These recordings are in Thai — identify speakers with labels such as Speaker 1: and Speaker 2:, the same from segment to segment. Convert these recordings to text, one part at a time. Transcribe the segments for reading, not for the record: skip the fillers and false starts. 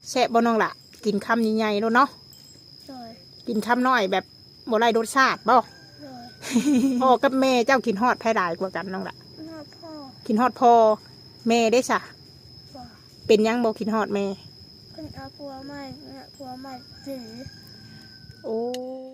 Speaker 1: แซ่บบ่น้องล่ะกินคำใหญ่ๆแล้วเนาะกินคำน้อยแบบบ่ไรรสชาติบ่พ่อกับแม่เจ้ากินฮอดไผหลายกว่ากันน้องล่ะ
Speaker 2: พ่อ
Speaker 1: กินฮอดพ่อแม่ได้ซะ
Speaker 2: บ่
Speaker 1: เป็นยังบ่กินฮอดแม่
Speaker 2: คุณเอาผัวใหม่ถือ
Speaker 1: โอ้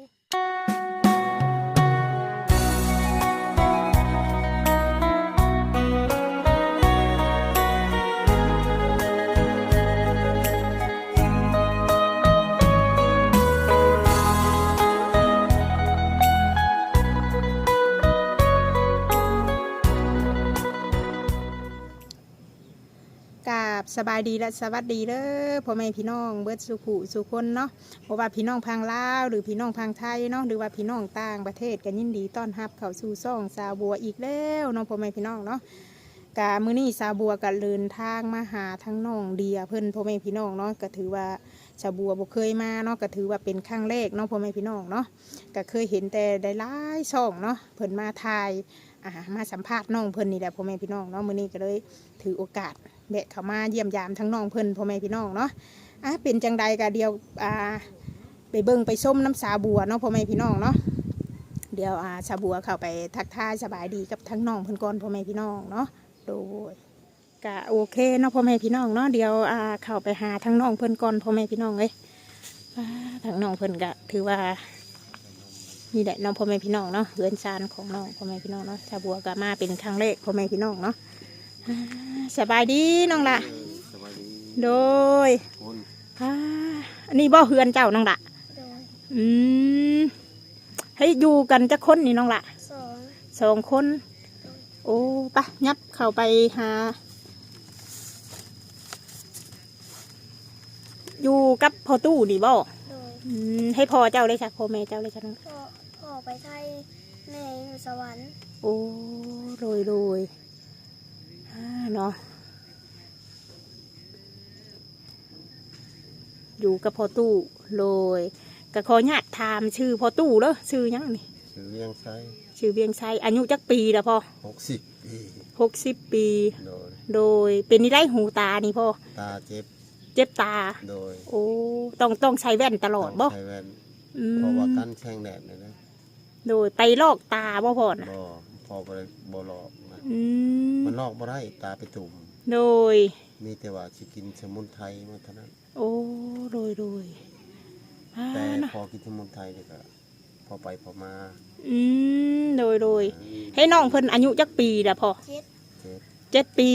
Speaker 1: สบายดีและสวัสดีเด้อพ่อแม่พี่น้องเบิดสุขุสุคนเนาะเพราะว่าพี่น้องพังลาวหรือพี่น้องพังไทยเนาะหรือว่าพี่น้องต่างประเทศกันยินดีต้อนรับเข้าสู่ซ่องสาวบัวอีกแล้วเนาะพ่อแม่พี่น้องเนาะกะมื้อนี้สาวบัวก็เดินทางมาหาทั้งน้องเดียเพิ่นพ่อแม่พี่น้องเนาะก็ถือว่าสาวบัวบ่เคยมาเนาะก็ถือว่าเป็นครั้งแรกเนาะพ่อแม่พี่น้องเนาะก็เคยเห็นแต่ได้หลายช่องเนาะเพิ่นมาถ่ายมาสัมภาษณ์น้องเพิ่นนี่แหละพ่อแม่พี่น้องเนาะมื้อนี้ก็เลยถือโอกาสแบะเข้ามาเยี่ยมยามทั้งน้องเพิ่นพ่อแม่พี่น้องเนาะเป็นจังใดก็เดียวไปเบิ่งไปส้มน้ำสาบัวเนาะพ่อแม่พี่น้องเนาะเดี๋ยวสาบัวเข้าไปทักทายสบายดีกับทั้งน้องเพิ่นก่อนพ่อแม่พี่น้องเนาะโดยก็โอเคเนาะพ่อแม่พี่น้องเนาะเดี๋ยวเข้าไปหาทั้งน้องเพิ่นก่อนพ่อแม่พี่น้องเลยทั้งน้องเพิ่นก็ถือว่านี่แหละน้องพ่อแม่พี่น้องเนาะเรือนชานของน้องพ่อแม่พี่น้องเนาะสาบัวก็มาเป็นครั้งแรกพ่อแม่พี่น้องเนาะสบายดีน้องละโดยอันนี้บ่เฮือนเจ้าน้องละให้อยู่กันจะคนนี่น้องละสองคนโอ้ปะยับเข้าไปหาอยู่กับพ่อตู้นี่บ่ให้พ่อเจ้าเลยจ้ะพ่อแม่เจ้าเลยจ้ะน้อง
Speaker 2: พ่อไปไทยแม่อยู่สวรรค์
Speaker 1: โอ้โรยเนาะอยู่กับพ่อตู้เลยก็ขอญาติถามชื่อพ่อตู้เด้อชื่อยังนี่
Speaker 3: ชื่อเวียงไซ
Speaker 1: อายุจักปีแล้วพ่อ60 ปีโดยเป็นนี่ได้หูตานี่พ่อ
Speaker 3: ตาเ
Speaker 1: จ็บตา
Speaker 3: โดย
Speaker 1: โอ้ต้องใช้แว่นตลอดบ่
Speaker 3: ใช้แว่นเพราะว่ากันแช่งแดดเลยนะ
Speaker 1: โดยไปลอกตาบ่พ่อนะ
Speaker 3: พอไปบ่ลอกมันลอกบ่ได้ตาไปตุ่ม
Speaker 1: โดย
Speaker 3: มีแต่ว่าสิกินสมุนไพรมาเท่านั้น
Speaker 1: โอ้โดย
Speaker 3: แต่พอกินสมุนไพรเนี่ยก็พอไปพอมา
Speaker 1: โดยให้น้องเพิ่นอายุจักปีละพ่อ7 ปี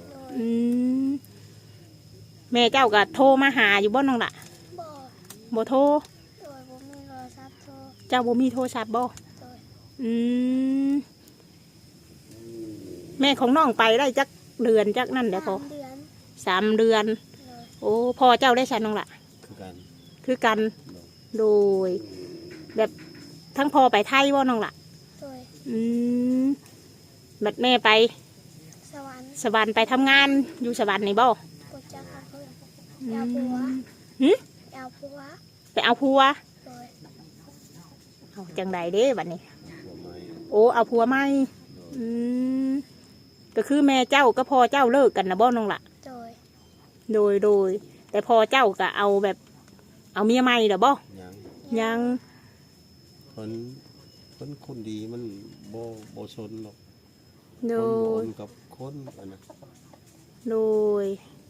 Speaker 1: แม่เจ้าก็โทรมาหาอยู่บ่น้องล่ะบ่โทรเจ้าบ่มีโทรศัพท์บ่แม่ของน้องไปได้จักเดือนจักนั่นเดี๋ยวพอ3 เดือนโอ้พ่อเจ้าได้ใช่น้องล่ะคือกันโดยแบบทั้งพ่อไปไทยว่าน้องล่ะแบบแม่ไปสวรรค์ไปทำงานอยู่สวรรค์นี่บ่ไปเอาผัวเอาจังใดเด้บัดนี้โอ้เอาผัวไหมก็คือแม่เจ้าก็พ่อเจ้าเลิกกันนะบ่น้องล่ะโดยแต่พ่อเจ้าก็เอาแบบเอาเมียใหม่เหรอบ่ยัง
Speaker 3: คนดีมันโบชนหรอก
Speaker 1: โดย
Speaker 3: กับคนนะ
Speaker 1: โดย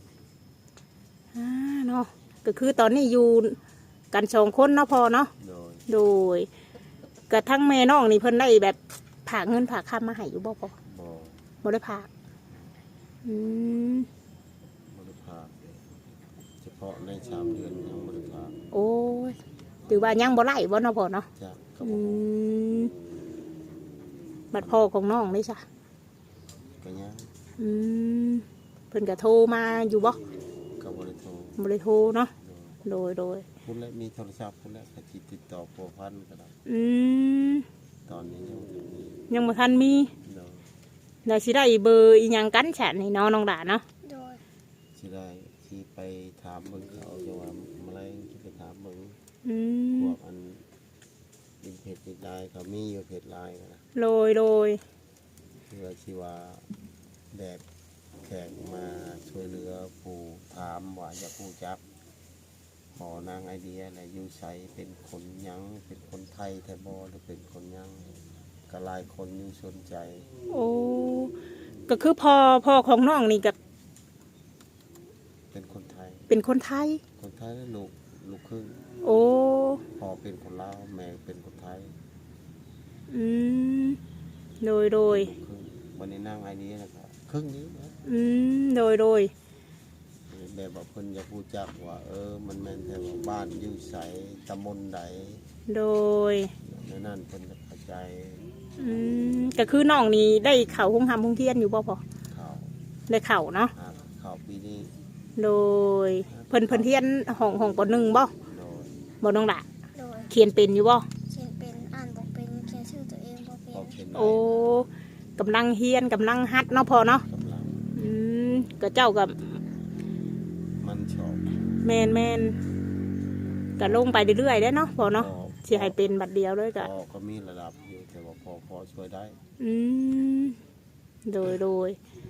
Speaker 1: เนาะก็คือตอนนี้อยู่กัน2 คนเนาะพ่อเนาะโดยกระทั่งแม่น้องนี่เพิ่นได้แบบฝากเงินฝากคำมาให้อยู่บ่พ่อบ่ได้ฝาก
Speaker 3: บริภาคเฉพาะใน3 เดือนยังบริภาค
Speaker 1: โอ้ยถือว่ายังบ่ไล่บ่เนาะพ่อเนาะบัดพ่อของน้องได้จ้ะ
Speaker 3: ก็ยัง
Speaker 1: เพิ่นก็โทรมาอยู่บ่
Speaker 3: ก็บ่ได้
Speaker 1: โทรเนาะโดย
Speaker 3: คุณและมีโทรศัพท์คุณและก็ติดต่อพัวพันก็ได้ตอนนี้
Speaker 1: ยังบ่ทันมีได้สิได้เบอร์อีหยังกันฉันนี่น้องด่าเนาะ
Speaker 3: สิได้ที่ไปถามเบิ่งเขาจะว่าอะไรที่ไปถามเบิ่งพวกอันเป็นเพจไลน์เขามีอยู่เพจไลน์นะ
Speaker 1: โดย
Speaker 3: เพื่อที่ว่าแดดแขกมาช่วยเหลือผู้ถามว่าจะผู้จับขอนางไอเดียแหละอยู่ใสเป็นคนยังเป็นคนไทยแท้บ่หรือเป็นคนยังก็หลายคนอยู่สนใจ
Speaker 1: โอ้ก็คือพ่อของน้องนี่กับ
Speaker 3: เป็นคนไทย
Speaker 1: เป็นคนไทย
Speaker 3: คนไทยแล้วลูกครึ่ง
Speaker 1: โอ้
Speaker 3: พ่อเป็นคนลาวแม่เป็นคนไทย
Speaker 1: อืมโดย
Speaker 3: ลูกครึ่งวันนี้นางไอเดียนะครับครึ่งนี้นะ
Speaker 1: โดย
Speaker 3: แบบว่าเพิ่นอยากรู้จักว่ามันแม่นแท้ว่าบ้านอยู่ไสตำบลใด
Speaker 1: โดย
Speaker 3: ในนั้นเพิ่นจะเข้าใจ
Speaker 1: ก็คือน้องนี่ได้เข่าห้องทำห้องเทียนอยู่บ่พอ
Speaker 3: ข่าว
Speaker 1: ได้เข่าเนาะ
Speaker 3: ข่าวปีนี้
Speaker 1: โดยเพิ่นเทียนห้องปหนึ่งบ่
Speaker 3: โดย
Speaker 1: บ่น้องละ
Speaker 2: โดย
Speaker 1: เขียนเป็นอยู่บ่
Speaker 2: เขียนเป็นอ่านบอกเป็นเขียนชื่อตัวเองบอกเป็น
Speaker 3: พอเขียนได้
Speaker 1: โอ้กำลังเฮียนกำลังฮัดเนาะพอเนาะ
Speaker 3: กำลัง
Speaker 1: ก็เจ้ากับ
Speaker 3: มันชอบ
Speaker 1: แมนก็ลงไปเรื่อยๆได้เนาะพอเนาะสิให้เป็นบัดเดียวเลยก็
Speaker 3: พ่อก็มีระดับอยู่แต่ว่าพอช่วยได้
Speaker 1: โดย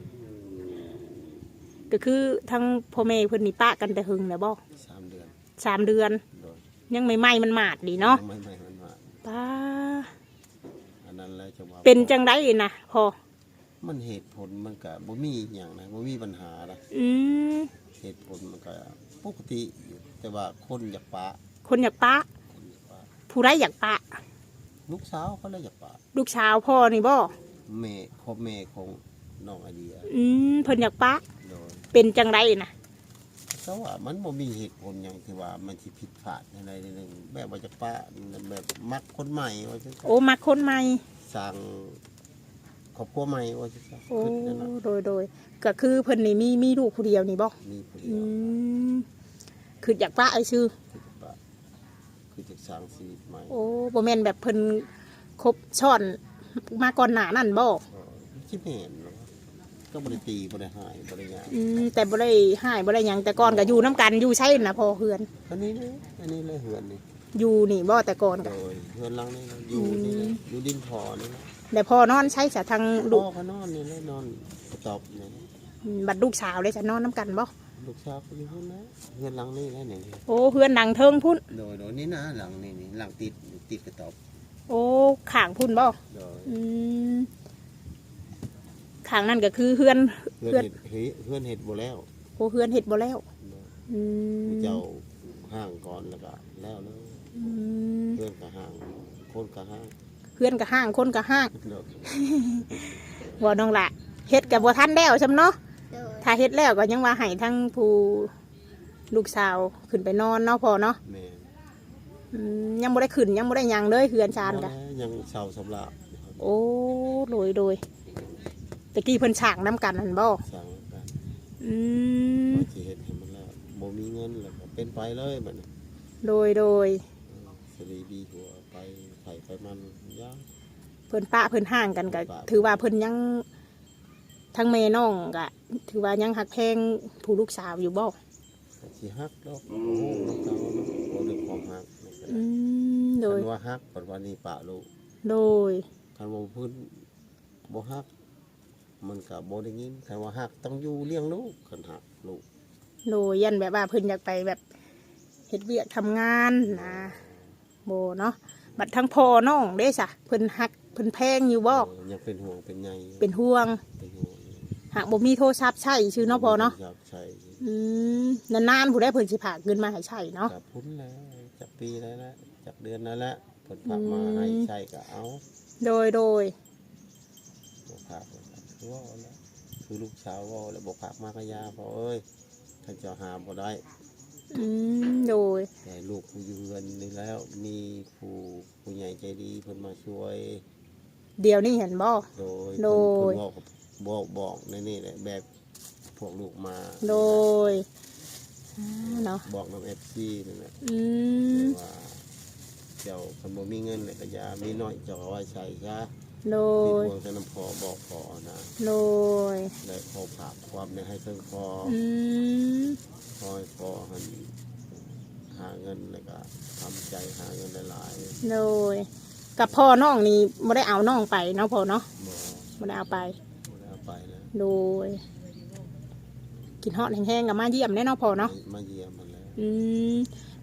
Speaker 1: ก็คือทั้งพ่อแม่เพิ่นนี่ปะกันแต่หึงแล้วบ่
Speaker 3: 3 เดือน
Speaker 1: 3 เดือน
Speaker 3: โดย
Speaker 1: ยังไม่ไหม้มันหมาดดีเนาะ
Speaker 3: ไม่มันมา
Speaker 1: ป้า
Speaker 3: อันนั้นแล้วจะว่า
Speaker 1: เป็นจังไดนะพอ
Speaker 3: มันเหตุผลมันก็บ่มีหยังนะบ่มีปัญหานะ
Speaker 1: อืม
Speaker 3: เหตุผลมันก็ปกติอยู่แต่ว่าคนอยากปะ
Speaker 1: คนอยากปะ
Speaker 3: คนอยากปะ
Speaker 1: ผู้ใดอยากปะ
Speaker 3: ลูกสาวเขาเลยอยากปะ
Speaker 1: ลูกสาวพ่อนี่บ่
Speaker 3: แม่ของน้องไอเดีย
Speaker 1: เพิ่นอยากปะ
Speaker 3: โดย
Speaker 1: เป็นจังไดนะ
Speaker 3: เพราะว่ามันบ่มีเหตุผลหยังที่ว่ามันสิผิดพลาดอะไรหนึงแบบว่าจะปะแบบมักคนใหม่ว่าจังซั่น
Speaker 1: โอ้มักคนใหม่
Speaker 3: สร้างครอบครัวใหม่ว่าจังซั่น
Speaker 1: โอ้
Speaker 3: คิดนั่นน่ะ
Speaker 1: โดยก็คือเพิ่นนี่มีลูกผู้เดียวนี่บ่
Speaker 3: มีผู้เดี
Speaker 1: อื
Speaker 3: ยว
Speaker 1: มคืออยากปะไอ้ชื่อ
Speaker 3: คือจะปะคือจะสร้างชีวิตใหม่
Speaker 1: โอ้บ่แม่นแบบเพิ่นครบช้อนมาก่อนหน้านั่นบ่
Speaker 3: ก็คิดเห็นเนาะก็บ่ได้ตีบ่ได้หายบ่ได้หยัง
Speaker 1: แต่บ่ได้หายบ่ได้หยังแต่ก่อนก็อยู่น้ำกันอยู่ใช่น่ะพอเฮือน
Speaker 3: อันนี้เลยเหือนนี่
Speaker 1: อยู่นี่บ่แต่ก่อน
Speaker 3: โด
Speaker 1: ก็
Speaker 3: ยเหือนหลังนี่นะอยู่นี่นะอยู่ดินพอนี่นะ
Speaker 1: แต่พอนอนใช้สะทางลู
Speaker 3: พ่
Speaker 1: ก
Speaker 3: อก็นอนนี่เลยนอนกระตอบนี่
Speaker 1: บัดลูกสาวเลยจะนอนน้ำกันบ่
Speaker 3: ลูกสาวก็อยู่พุ่นนะเหือนหลังนี่แหละนี่
Speaker 1: โอ้เฮือนดังเทิงพุ่น
Speaker 3: โดยนี่นะหลังนี่หลังติดกระตอบ
Speaker 1: โอ้ข้างพุ่นบ่
Speaker 3: โดย
Speaker 1: อืมข้างนั่นก็คือเฮือน
Speaker 3: เฮือนเห็ดบ่แล้ว
Speaker 1: โอ้เฮือนเฮ็ดบ่แล้ว
Speaker 3: โดย
Speaker 1: อืม
Speaker 3: เจ้าห้างก่อนแล้วก็แล้วเลย
Speaker 1: อืม
Speaker 3: เฮือนก็ห้างคนก็ห้าง
Speaker 1: เฮือนก็ห้างคนก็ห้าง
Speaker 3: โดย
Speaker 1: ว่าน้องละเฮ็ดก็บ่ทันแล้วซำเนาะ
Speaker 2: โดย
Speaker 1: ถ้าเฮ็ดแล้วก็ยังว่าให้ทั้งผู้ลูกสาวขึ้นไปนอนเนาะพอเนาะ
Speaker 3: แม่
Speaker 1: ยังบ่ได้ขึ้นยังบ่ได้หยังเลยเฮือนชานกะ
Speaker 3: ยังเศร้าสำหรับ
Speaker 1: โอ้โดยตะกี้เพิ่นฉากน้ำกันหั่นบ่
Speaker 3: สั่งกัน
Speaker 1: อืม
Speaker 3: ว่าสิเฮ็ดให้มันแล้วบ่มีเงินแล้วก็เป็นไปเลยบัดนี้
Speaker 1: โดย
Speaker 3: สรีดีหัวไปไถไปมันยาก
Speaker 1: เพิ่นปะเพิ่นห่างกันก็ถือว่าเพิ่นยังทั้งแม่น้องก็ถือว่ายังหักแพงผู้ลูกสาวอยู่บ่
Speaker 3: ก็สิฮักดอกโอ้โหน้องเจ้าเนาะบ่ได้ความฮักนี่ก็ได้
Speaker 1: โดย
Speaker 3: คันว่าฮักปัจจุบันนี้ปะลูก
Speaker 1: โดย
Speaker 3: คันว่าพื้นบ่ฮัก มันก็บ่ได้ยินคันว่าฮักต้องอยู่เลี้ยงลูกคันฮักลูก
Speaker 1: ยันแบบว่าเพิ่นอยากไปแบบเฮ็ดเวียกทำงานนะโบเนาะบัดทั้งพ่อน้องเด้ซะเพิ่นหักเพิ่นแพงอยู่บ่
Speaker 3: ยังเป็นห่วงเป็นใย
Speaker 1: เป็นห่วง
Speaker 3: เป็นห่วง
Speaker 1: หากบ่มีโทรศัพท์ใช้ชื่อเนาะพอเนาะ
Speaker 3: อยากใช้
Speaker 1: นานๆผู้ใดเพิ่นสิพากเงินมาให้ใช้เนาะ
Speaker 3: กับพุ่นแล้วจากปีแล้วนะจากเดือนนั้นแล้วเพิ่นฝากมาให้ใช้ก็เอา
Speaker 1: โดย
Speaker 3: บ่ฝากแล้วก็คือว่าแล้วคือลูกสาวว่าแล้วบ่ฝากมากยาเพราะเอ้ยท่านเจะหาบ่ได้
Speaker 1: โดย
Speaker 3: แต่ลูกผู้อยู่เรือนนี่แล้วมีผู้ใหญ่ใจดีเพิ่นมาช่วย
Speaker 1: เดี๋ยวนี้เห็นบ่
Speaker 3: โดย
Speaker 1: โดย
Speaker 3: เพิ่นบอกในนี่แหละแบบพวกลูกมา
Speaker 1: โดยเนาะ
Speaker 3: บอกน้ำ FC นั่นแหละ ว่าเจ้าคันบ่มีเงินเลยก็อย่ามีน้อยเจ้าเอาไว้ใช้ซะ
Speaker 1: โด
Speaker 3: มี
Speaker 1: ย
Speaker 3: พวงแต่น้ำพอบอกพอนะ
Speaker 1: โดย
Speaker 3: และพอผากความในให้เพิ่งพอ
Speaker 1: ม
Speaker 3: พอให้พอหันหาเงินแล้วก็ทำใจหาเงินหลาย
Speaker 1: โดยกับพ่อน้องนี่บ่ได้เอาน้องไปเนาะพ่อเนาะ
Speaker 3: ๆบ่
Speaker 1: บ่ได้เอาไป
Speaker 3: ได้เอาไปแล้ว
Speaker 1: โดย กินฮอดแห้งๆกับมาเยี่ยมแน่เนาะพ่อเนาะ
Speaker 3: มาเยี่ยมมันแล้ว
Speaker 1: อืม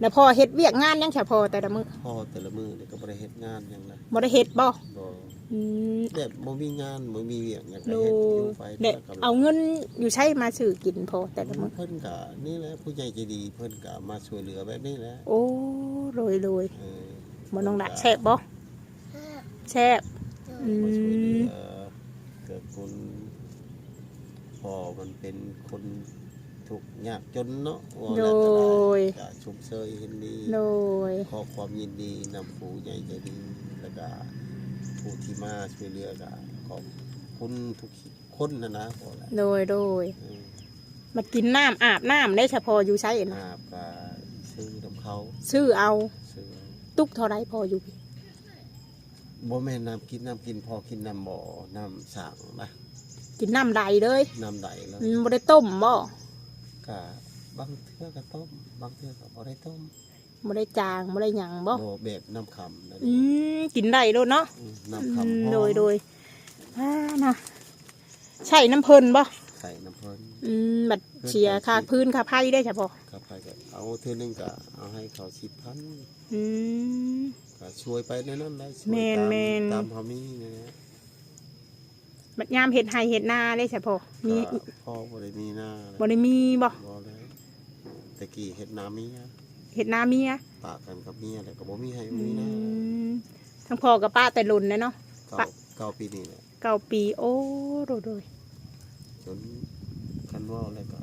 Speaker 1: แล้วพ่อเฮ็ดเวียกงานยังจ้ะพ่อแต่ละมื้อ
Speaker 3: พ่อแต่ละมื้อนี่ก็บ่ได้เฮ็ดงานหยังนะ
Speaker 1: บ่ได้เฮ็ดบ่
Speaker 3: บ่
Speaker 1: อืม
Speaker 3: แบบบ่มีงานบ่มีเวียกหยังก็
Speaker 1: โด
Speaker 3: เฮ็ดอยู่
Speaker 1: ย
Speaker 3: ไป
Speaker 1: เด็ก
Speaker 3: แล้วก็
Speaker 1: เอาเงินอยู่ใช้มาซื้อกินพ่อแต่ละมื้อ
Speaker 3: เพิ่นก็นี่แหละผู้ใหญ่ใจดีเพิ่นก็มาช่วยเหลือแบบนี้แหละ
Speaker 1: โอ้โรย
Speaker 3: เออ
Speaker 1: บ่น้องดะแซ่บบ่
Speaker 2: แค่
Speaker 1: แซ่บ
Speaker 2: โด
Speaker 1: อื
Speaker 2: ย
Speaker 3: มาช่วยเหลื
Speaker 1: ม
Speaker 3: อเกิดคนพ่อมันเป็นคนทุกข์ยากจนเนาะว่า
Speaker 1: โด
Speaker 3: แล้วก็ได้
Speaker 1: ย
Speaker 3: ก็ชุมเชยเห็นดี
Speaker 1: โดย
Speaker 3: ขอความยินดีนำผู้ใหญ่ใจดีแล้วก็ผู้ที่มาช่วยเหลือก็ขอบคุณทุกคนนะพอแล้ว
Speaker 1: โดย
Speaker 3: เออ
Speaker 1: มากินน้ำอาบน้ำได้เฉพาะอยู่ใช้นะ
Speaker 3: อาบก็ซื้อน้ำเขา
Speaker 1: ซื้อเอา
Speaker 3: ซื้อเอา
Speaker 1: ตุกเท่าไรพออยู่พี่
Speaker 3: บ่แม่นน้ำกินพอกินน้ำบ่อน้ำสั่งนะ
Speaker 1: กินน้ำใดเลย
Speaker 3: น้ำใดแล้ว
Speaker 1: บ่ได้ต้มบ่
Speaker 3: ก็บางเทื่อก็ต้มบางเทื่อก็บ่ได้ต้ม
Speaker 1: บ่ได้จางบ่ได้หยังบ่
Speaker 3: บ่แบบน้ำคำนั่น
Speaker 1: กินได้โลดเนาะ
Speaker 3: น้ำคำหอม
Speaker 1: โดยนะใช่น้ำเพิ่นบ่
Speaker 3: ใส่น้ำเพิ่น
Speaker 1: บัดเชียค่าพื้นค่าไผ่ได้เฉพาะ
Speaker 3: ครับไปก็เอาเทื่อนึงก็เอาให้เขา10,000
Speaker 1: อืม
Speaker 3: ก็ช่วยไปในนั้นได้ช่วย
Speaker 1: แม่น
Speaker 3: ตาม
Speaker 1: แม่น
Speaker 3: ตามเฮามีนี่นะ
Speaker 1: บัดยามเฮ็ดไร่เฮ็ดนาได้เฉพาะมี
Speaker 3: ก็พ่อบ่ได้มีหน้า
Speaker 1: บ่ได้มีบ่
Speaker 3: บ่เลยแต่กี้เฮ็ดนาเมีย
Speaker 1: เฮ็ดนาเมีย
Speaker 3: ปากกันกับเมียแล้วก็บ่มีให้
Speaker 1: อื
Speaker 3: มีหน้าม
Speaker 1: ทั้งพ่อกับป้าแต่ลุ่นเลยเนาะ
Speaker 3: เก้าปีนี่แหละ
Speaker 1: 9 ปีโอ้โดย
Speaker 3: จนคันเว่าแล้วก็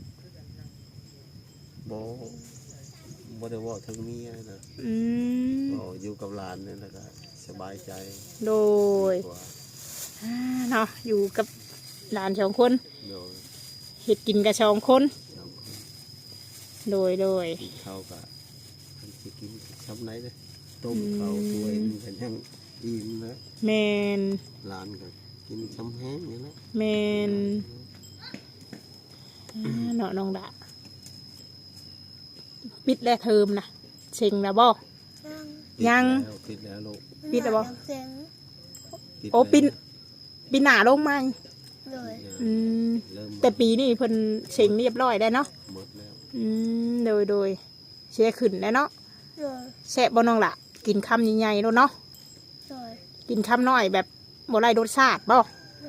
Speaker 3: บ่ได้เว่าถึงเมียนะ
Speaker 1: อืม
Speaker 3: ก็อยู่กับหลานนี่แล้วก็สบายใจ
Speaker 1: โดย
Speaker 3: กว่า
Speaker 1: เนาะอยู่กับหลาน2 คน
Speaker 3: โดย
Speaker 1: เฮ็ดกินกับ2 คน
Speaker 3: สองคน
Speaker 1: โดย
Speaker 3: กินข้าวก็เพิ่นสิกินซ้ำไหนเด้อต้มข้าวถ้วยนึงก็ยังอิ่มนะ
Speaker 1: แมน
Speaker 3: หลานก็กินซ้ำแห้งนี่แหละ
Speaker 1: แมนเนาะน้องดะปิดแล้วเทอมนะเชิงแล้วบ่ ยัง
Speaker 3: ปิดแล้วลูก
Speaker 1: ปิดแล้วบ่
Speaker 2: เสียง
Speaker 1: โอ้ปินหนาลงมา
Speaker 2: เลย
Speaker 1: อืม
Speaker 3: เริ่ม
Speaker 1: แต่ปีนี้เพิ่นเชิงเรียบร้อยได้วเนาะ
Speaker 3: หมดแล้ว
Speaker 1: โดยเสียขึ้นแล้วเนาะ
Speaker 2: เลย
Speaker 1: แซ่บบ่น้องละกินคำใหญ่ๆแล้วเนาะ
Speaker 2: เลย
Speaker 1: กินคำน้อยแบบบ่ไรรสชาติบ่
Speaker 2: เลย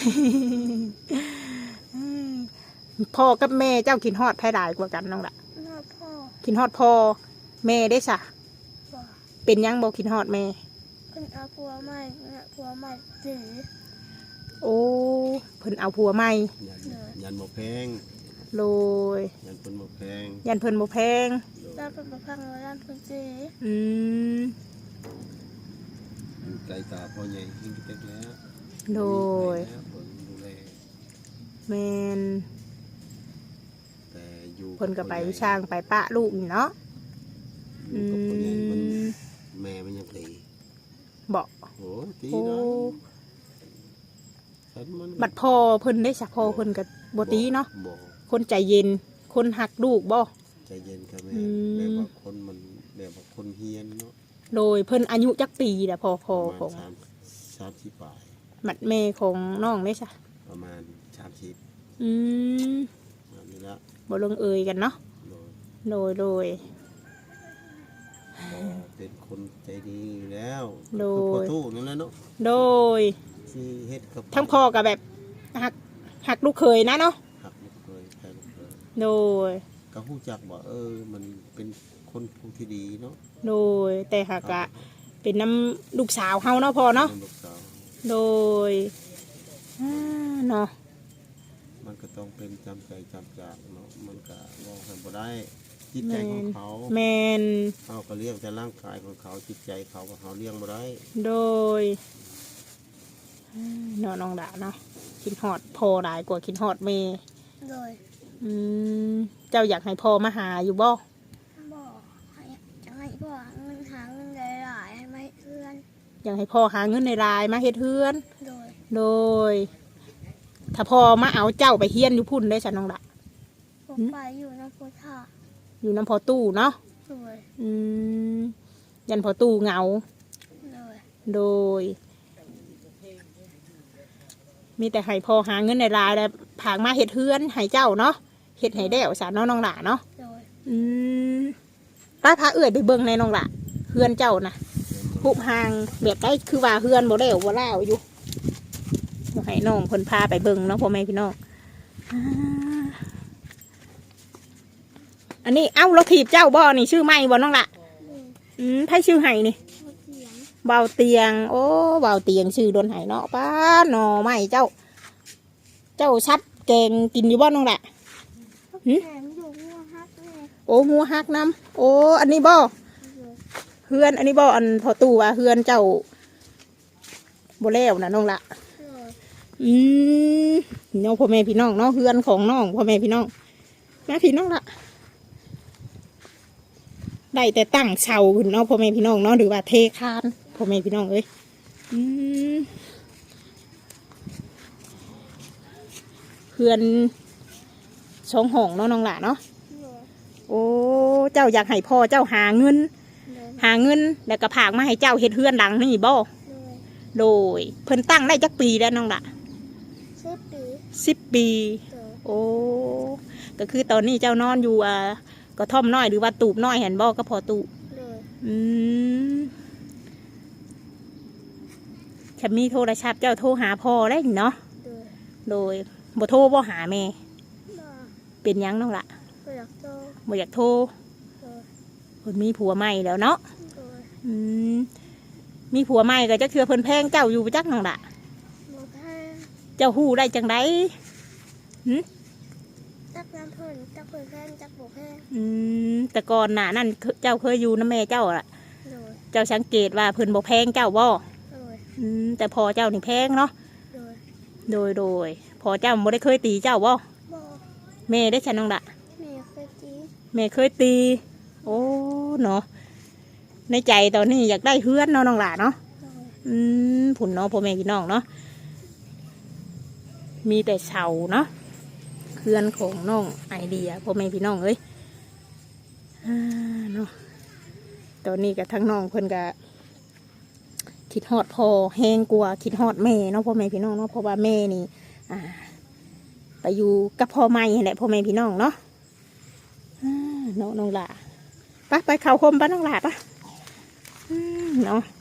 Speaker 1: พ่อกับแม่เจ้ากินฮอดไผหลายกว่ากันน้องละ
Speaker 2: หน้าพ่อ
Speaker 1: กินฮอดพ่อแม่ได้ซะ
Speaker 2: บอก
Speaker 1: เป็นหยังบ่กินฮอดแม่
Speaker 2: คุณเอาผัวใหม่ผัวใหม่สี
Speaker 1: โอ้เพิ่นเอาผัวใหม่
Speaker 3: ยันหมกแพง
Speaker 1: โดย
Speaker 3: ยันเป็นหมกแพง
Speaker 1: ยันเพิ่นบ่แพง
Speaker 2: ด้านเป็นประพังและด้านเป็นสี
Speaker 1: อืม
Speaker 3: อยู่ไกลตาพ่อใหญ่ยิ่งเต็มแล้ว
Speaker 1: โดย
Speaker 3: มีแล้วเพิ่นดูแล
Speaker 1: แม่น
Speaker 3: แต่อยู่
Speaker 1: เพิ่นก็ไปช่างไปปะลูกนี่เนาะ
Speaker 3: อยู่กับพ่อใหญ่มัน
Speaker 1: อืม
Speaker 3: แม่มันยังตี
Speaker 1: บ่
Speaker 3: โอ้ตี
Speaker 1: โอ้
Speaker 3: นะฉันมัน
Speaker 1: บัดพ่อเพิ่นได้ซะพ่อเพิ่นก็บ่ตีเนาะ
Speaker 3: บ่
Speaker 1: คนใจเย็น คนหักลูกบ่
Speaker 3: ใจเย็นครับแม่
Speaker 1: อืม
Speaker 3: แบบว่าคนมันแบบว่าคนเฮียนเนาะ
Speaker 1: โดยเพิ่นอายุจักปีแหละพ่อ
Speaker 3: ประ
Speaker 1: ของ
Speaker 3: มาณ30 ปลาย
Speaker 1: บัดแม่ของน้องได้ซะ
Speaker 3: ประมาณ30
Speaker 1: อืม
Speaker 3: แบบนี้ละ
Speaker 1: บ่ลงเอยกันเนาะ
Speaker 3: โดย
Speaker 1: โดย
Speaker 3: ก็เป็นคนใจดีอยู่แล้ว
Speaker 1: โดย
Speaker 3: คือพ่อตู้นั่นแหละเนาะ
Speaker 1: โดย
Speaker 3: ที่เฮ็ดกับ
Speaker 1: ทั้งพ่อกับแบบหักลูกเคยนะเนาะ
Speaker 3: หักลูกเคยแทนลูกเคย
Speaker 1: โดย
Speaker 3: ก็ฮู้จักว่ามันเป็นคนผู้ที่ดีเนาะ
Speaker 1: โดยแต่หากะเป็นน้ำลูกสาวเฮาเนาะพ่อเนาะ
Speaker 3: ลูกสาว
Speaker 1: โดยเนาะ
Speaker 3: มันก็ต้องเป็นจำใจจำจากเนาะมันก็ว่ากันบ่ได้จิตใจของเขา
Speaker 1: แมน
Speaker 3: เขาก็เลี้ยงแต่ร่างกายของเขาจิตใจเขาก็เขาเลี้ยงบ่ได้
Speaker 1: โดยเนาะน้องดาเนาะคิดฮอดพ่อหลายกว่าคิดฮอดแม่
Speaker 2: เลย
Speaker 1: อืมเจ้าอยากให้พ่อมาหาอยู่บ่
Speaker 2: บอกให้จะให้พ่อเงินหาเงินหลายๆให้ไม่เพื่อน
Speaker 1: อยากให้พ่อหาเงินในรายมาเฮ็ดเฮือน
Speaker 2: โดย
Speaker 1: โดย ถ้าพ่อมาเอาเจ้าไปเฮียนอยู่พุ่นได้ฉันน้องดา
Speaker 2: ผมไปอยู่น้ำพุท่า
Speaker 1: อยู่น้ำพอตู้เนาะ
Speaker 2: โดย
Speaker 1: อืมยันพอตู้เหงา
Speaker 2: โดย
Speaker 1: โดย มีแต่ให้พอหาเงินในรายแล้วผางมาเห็ดเฮือนให้เจ้าเนาะเห็ดให้แด้วสารน้องหลาเนาะ
Speaker 2: โดย
Speaker 1: อืมป้าพาเอื้อยไปเบิ่งในน้องละเฮือนเจ้านะหุบหางแบบได้คือว่าเฮือนบ่ได้บ่ล่าวอยู่ให้น้องเพิ่นพาไปเบิ่งเนาะพ่อแม่พี่น้องอันนี้เอ้าเราถีบเจ้าบ่นี่ชื่อไม่บ่น้องละไผชื่อไห้นี่
Speaker 2: เสียง
Speaker 1: เบาเตียงโอ้เบาเตียงชื่อโดนไห้เนาะป้าหน่อไม่เจ้าชัดแกงกินอยู่บ่น้องละ
Speaker 2: แข็งอยู่หัวฮักเลย
Speaker 1: โอ้หัวหักน้ำโอ้อันนี้บ่เฮือนอันนี้บ่อันพอตู้ว่าเฮือนเจ้าบ่แล้วนะน้องละน้องพ่อแม่พี่น้องเนาะเฮือนของน้องพ่อแม่พี่น้องแม่พี่น้องละได้แต่ตั้งเสาขึ้นเนาะพ่อแม่พี่น้องเนาะหรือว่าเทคานพ่อแม่พี่น้องเอ้ยเฮือนสองห้องเนาะน้องละเนาะโอ้เจ้าอยากให้พ่อเจ้าหาเงินแล้วก็ผากมาให้เจ้าเฮ็ดเฮือนหลังนี่บ่โดยเพิ่นตั้งได้จักปีแล้วน้องละ10 ปีโอ้ก็คือตอนนี้เจ้านอนอยู่กระท่อมน้อยหรือว่าตูบน้อยเห็นบ่ก็พอตูฉันมีโทรศัพท์เจ้าโทรหาพ่อได้เนาะโดยบ่โทรบ่หาแม่เป็นยังน้องละบ่อยากโทรเพิ่นมีผัวใหม่แล้วเนาะมีผัวใหม่ก็จะเชื่อเพิ่นแพงเจ้าอยู่จักน้องละเจ้าฮู้ได้จังได
Speaker 2: จักน้ำเพิ่นจักเพิ่นแพงจักโบแพง
Speaker 1: แต่ก่อนหน้านั่นเจ้าเคยอยู่น้ำแม่เจ้าล่ะเจ้าสังเกตว่าเพิ่นบ่แพงเจ้าบ่แต่พอเจ้านี่แพงเนาะโดยพอเจ้าบ่ได้เคยตีเจ้าบ่แม่ได้ฉันน้องละแม่เคยตีโอ้เนาะในใจตอนนี้อยากได้เฮือนเนาะน้องละเนาะผุนเนาะพ่อแม่พี่น้องเนาะมีแต่เสาเนาะเฮือนของน้องไอเดียพ่อแม่พี่น้องเอ้ยเนาะตอนนี้กับทั้งน้องเพิ่นก็คิดฮอดพอแห้งกลัวคิดฮอดแม่เนาะพ่อแม่พี่น้องเนาะเพราะว่าแม่นี่ไปอยู่กับพ่อใหม่แหละพ่อแม่พี่น้องเนาะน้องหล่าไปเข้าคมป้าน้องหล่าปะเนาะ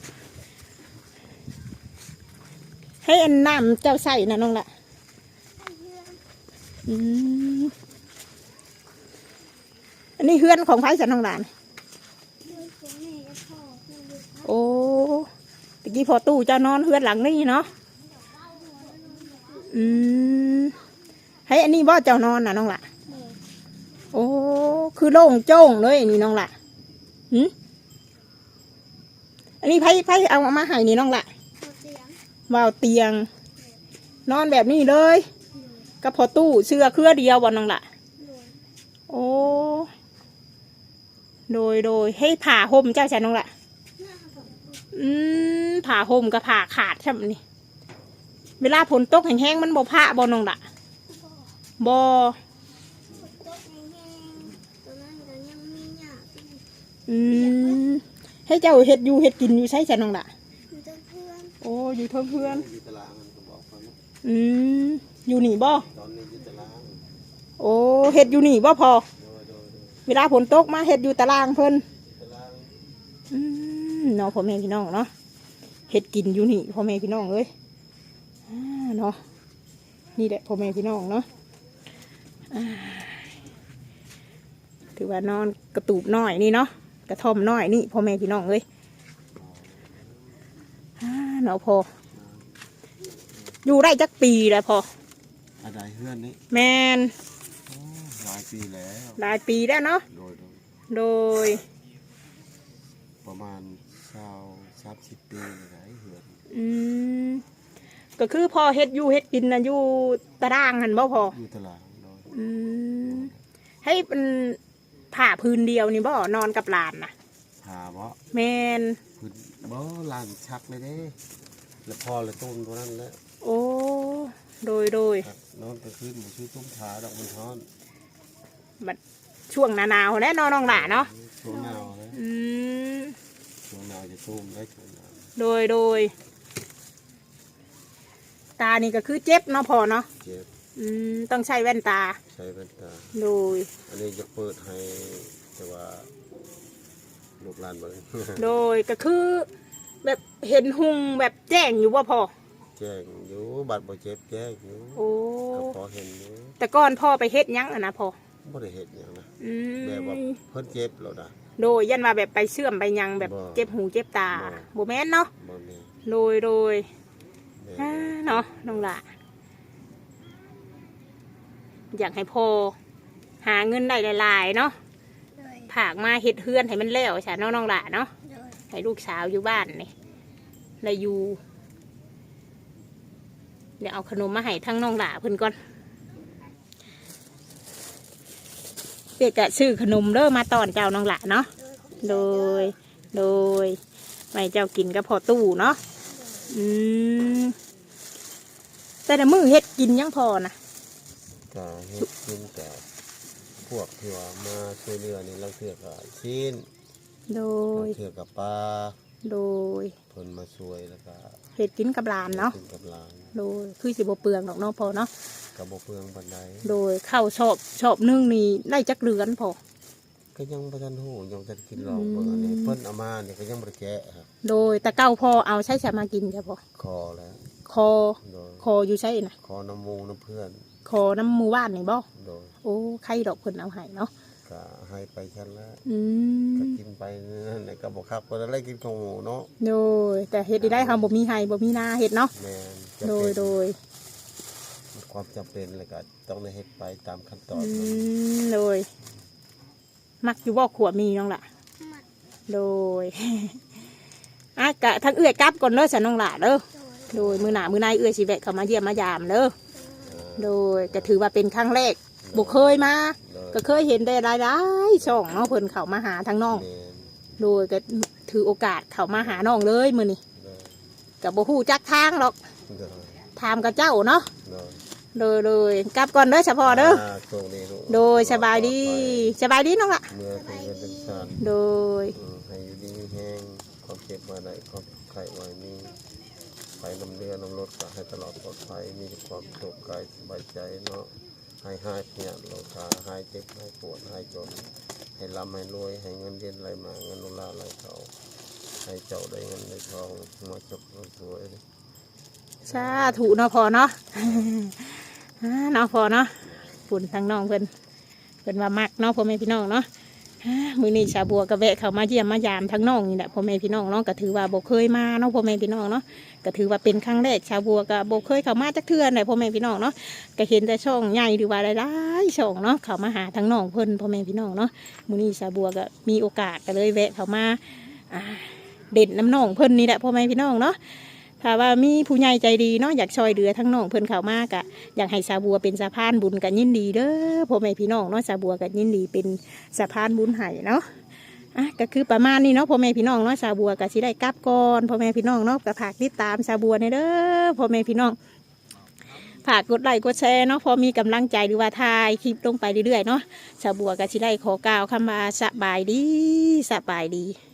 Speaker 1: ให้อันน้ำเจ้าใส่นะน้องหล่าอันนี้เฮือนของไผ่สันน้องหล่าโอ้ตะกี้พอตู้เจ้านอนเฮือนหลังนี่เนาะให้อันนี้บ่เจ้านอนน่ะน้องละโอ้คือโล่งโจ้งเลยนี่น้องละอันนี้ไผ่เอามาให้นี่น้องละวาวเตียงนอนแบบนี้เลยกับพอตู้เสื้อเครือเดียวบ่น้องละโอ้โดยให้ผ่าห่มเจ้าฉันน้องละผ่าห่มกับผ่าขาดใช่ไหมนี่เวลาฝนตกแห้งๆมันบ่ผ่าบ่น้องละบ่ให้เจ้าเห็ดอยู่เห็ดกินอยู่ใช่ฉันน้องละโอ้อยู่เทิงเพื่อนอยู่นี่บ่โอ้เห็ดอยู่นี่บ่พอเวลาฝนตกมาเห็ดอยู่ตารางเพิ่นเนาะพ่อแม่พี่น้องเนาะเห็ดกินอยู่นี่พ่อแม่พี่น้องเอ้ยเนาะนี่แหละพ่อแม่พี่น้องเนาะถือว่านอนกระตูบน้อยนี่เนาะกระท่อมน้อยนี่พ่อแม่พี่น้องเอ้ยเนาะพออยู่ได้จักปีแล้วพอ
Speaker 3: อะไรเพื่อนนี่
Speaker 1: แมน
Speaker 3: หลายปี
Speaker 1: แล้วเนาะโดย
Speaker 3: ประมาณ30 ปีหลายเหือน
Speaker 1: ก็คือพอเฮ็ดอยู่เฮ็ดกินนะอยู่ตารางหันบ่พอ
Speaker 3: อยู่ตาราง
Speaker 1: ให้เป็นผ่าพื้นเดียวนี่บ่นอนกับหลานนะ
Speaker 3: ผ่าบ่
Speaker 1: แมน
Speaker 3: พื้นบ่หลานชักเลยเด้แล้วพอเลยต้มตัวนั้นแล้ว
Speaker 1: โอ้โดย
Speaker 3: นอนกลางคืนบ่ชื่อต้มขาดอกมันฮ้อน
Speaker 1: บัดช่วงหนาวแล้วนอนน้องหล่าเนาะ
Speaker 3: ช่วงหนาวเลยช่วงหนาวจะต้มได้ช่วงหนาว
Speaker 1: โดยตานี่ก็คือเจ็บเนาะพอเนาะ
Speaker 3: เจ็บ
Speaker 1: ต้องใช้แว่นตา
Speaker 3: ใช้แว่นตา
Speaker 1: โดย
Speaker 3: อันนี้จะเปิดให้แต่ว่าลูกหลานเบิ่ง
Speaker 1: โดยก็คือแบบเห็นหุงแบบแจ้งอยู่ว่าพ่อ
Speaker 3: แจ้งอยู่บัตรบ่เจ็บแจ้งอยู่
Speaker 1: โอ้
Speaker 3: ก็พอเห็นอยู่
Speaker 1: แต่ก่อนพ่อไปเฮ็ดหยังอะนะพ่อ
Speaker 3: บ่ได้เฮ็ดหยังนะ
Speaker 1: อื
Speaker 3: แบบว่าม เพิ่นเจ็บแล้วนะ
Speaker 1: โดยยันว่าแบบไปเชื่อมไปหยังแบบ
Speaker 3: บ่
Speaker 1: เจ็บหูเจ็บตา
Speaker 3: บ่
Speaker 1: บ่แม่นเนาะ
Speaker 3: บ่แม่น
Speaker 1: โดย
Speaker 3: แม่
Speaker 1: อ่าน เนาะน้องหละอยากให้พ่อหาเงินได้หลายๆเนาะ
Speaker 2: โดย
Speaker 1: ผากมาเฮ็ดเฮือนให้มันแล้วใช่น้องหละเนาะ
Speaker 2: โดย
Speaker 1: ให้ลูกสาวอยู่บ้านนี่แล้วอยู่เดี๋ยวเอาขนมมาให้ทั้งน้องหละเพิ่นก่อนเปียกกะซื้อขนมเด้อมาตอนเจ้าน้องหละเนาะ โดย โดยไม่เจ้ากินก็พอตู้เนาะ อืมแต่ละมือเฮ็ดกินยังพอนะ
Speaker 3: ก็เฮ็ดกินแต่พวกที่ว่ามาช่วยเหลือนี่เราเทื่อก็ชิ้น
Speaker 1: โดย
Speaker 3: เทื่อกับปลา
Speaker 1: โดย
Speaker 3: เพิ่นมาช่วยแล้วก็
Speaker 1: เฮ็ดกินกับหลานเนาะ
Speaker 3: กินกับหลาน
Speaker 1: โดยคือสิบ่เปลืองดอกเนาะพอเนาะ
Speaker 3: ก็บ่เปลืองปานใด
Speaker 1: โดยข้าวชอบนึ่งนี่ได้จักเรือนพอ
Speaker 3: ก็ยังบ่ทันฮู้ยังทันกินหรอกเบิ่งอันนี้เพิ่นเอามานี่ก็ยังบ่ได้แกะครับ
Speaker 1: โดยแต่เก้าพอเอาใช้สามากินจ้ะพอ
Speaker 3: คอแล้ว
Speaker 1: คอ
Speaker 3: โดย
Speaker 1: คออยู่ใช่นะ
Speaker 3: คอน้ำมูกน้ำเพื่อน
Speaker 1: คอน้ำหมูว่านนี่บ่
Speaker 3: โดย
Speaker 1: โอ้ใครดอกเพิ่นเอาให้เนาะ
Speaker 3: ก็ให้ไปชั้นแล้ว
Speaker 1: อื
Speaker 3: ก็
Speaker 1: ม
Speaker 3: กินไปนั่นแหละก็บ่คักบ่ได้กินของหมูเนาะ
Speaker 1: โดยแต่เฮ็ดได้เฮาบ่มีให้บ่มีนาเฮ็ดเนาะ
Speaker 3: แม่นจำ
Speaker 1: โด
Speaker 3: เป็
Speaker 1: ย
Speaker 3: น
Speaker 1: โดย
Speaker 3: ความจำเป็นเลยก็ต้องได้เฮ็ดไปตามขั้นตอน
Speaker 1: อื
Speaker 3: มัน
Speaker 1: มโดย มักอยู่บ่ขวบมีน้องล่ะ
Speaker 2: มัด
Speaker 1: โดย อ่ะกะทั้งเอื้อยกลับก่อนเด้อสันน้องหล่าเด้อ
Speaker 2: โดย
Speaker 1: โดยมือหนามือนายเอื้อยสิแวะเข้ามาเยี่ยมมายามเด้อ โดยก็ถือว่าเป็นครั้งแรกบ่เคยมา
Speaker 3: โดย
Speaker 1: ก็เคยเห็นได้หลายๆช่องเนาะเพิ่นเข้ามาหาทั้งน้อง
Speaker 3: แม่น
Speaker 1: โดยก็ถือโอกาสเข้ามาหาน้องเลยมื้อนี้
Speaker 3: โดย
Speaker 1: ก็บ่ฮู้จักทางหรอก
Speaker 3: โดย
Speaker 1: ถามกับเจ้าเนาะ
Speaker 3: โดย
Speaker 1: โดยกลับก่อนเด้อเฉพาะเด้อ
Speaker 3: โชคดีลูก
Speaker 1: โดยสบายดีสบายดีน้องล่ะ
Speaker 3: เมื่อเป็นเงินเป็นชาติ
Speaker 1: โดย
Speaker 3: ให้อยู่ดีมีแห้งความเจ็บมาได้ความไข้ไว้มีไปนำเรือน้ำรถก็ให้ตลอดปลอดภัยมีความสุขกายสบายใจเนาะให้หายเนี่ยโลคาหายเจ็บหายปวดหายจน ให้ร่ำให้รวยให้เงินเดือนไหลมาเงินนุลาไหลเขาให้เจ้าได้เงินได้ทองมาจบรวย
Speaker 1: สาธุเนาะพอเนาะ เนาะพอเนาะปุ่นทางน้องเพิ่นว่ามักเนาะพ่อแม่พี่น้องเนาะมื้อนี้ชาวบัวก็แวะเข้ามาเยี่ยมมายามทั้งน้องนี่แหละพ่อแม่พี่น้องเนาะก็ถือว่าบ่เคยมาเนาะพ่อแม่พี่น้องเนาะก็ถือว่าเป็นครั้งแรกชาวบัวก็บ่เคยเข้ามาจักเทื่อเลยพ่อแม่พี่น้องเนาะก็เห็นแต่ช่องใหญ่หรือว่าหลายๆช่องเนาะเข้ามาหาทั้งน้องเพิ่นพ่อแม่พี่น้องเนาะมื้อนี้ชาวบัวก็มีโอกาสก็เลยแวะเข้ามาเด่นน้ำน้องเพิ่นนี่แหละพ่อแม่พี่น้องเนาะถ้าว่ามีผู้ใหญ่ใจดีเนาะอยากช่วยเหลือทั้งน้องเพิ่นเข้ามากะอยากให้ชาวบัวเป็นสะพานบุญกันยินดีเด้อพ่อแม่พี่น้องเนาะชาวบัวกันยินดีเป็นสะพานบุญให้เนาะก็คือประมาณนี้เนาะพ่อแม่พี่น้องเนาะชาวบัวก็สิได้กลับก่อนพ่อแม่พี่น้องเนาะก็ฝากติดตามชาวบัวในเด้อพ่อแม่พี่น้องฝากกดไลค์กดแชร์เนาะพอมีกำลังใจหรือว่าถ่ายคลิปลงไปเรื่อยๆเนาะชาวบัวก็สิได้ขอกล่าวคำว่าสบายดีสบายดี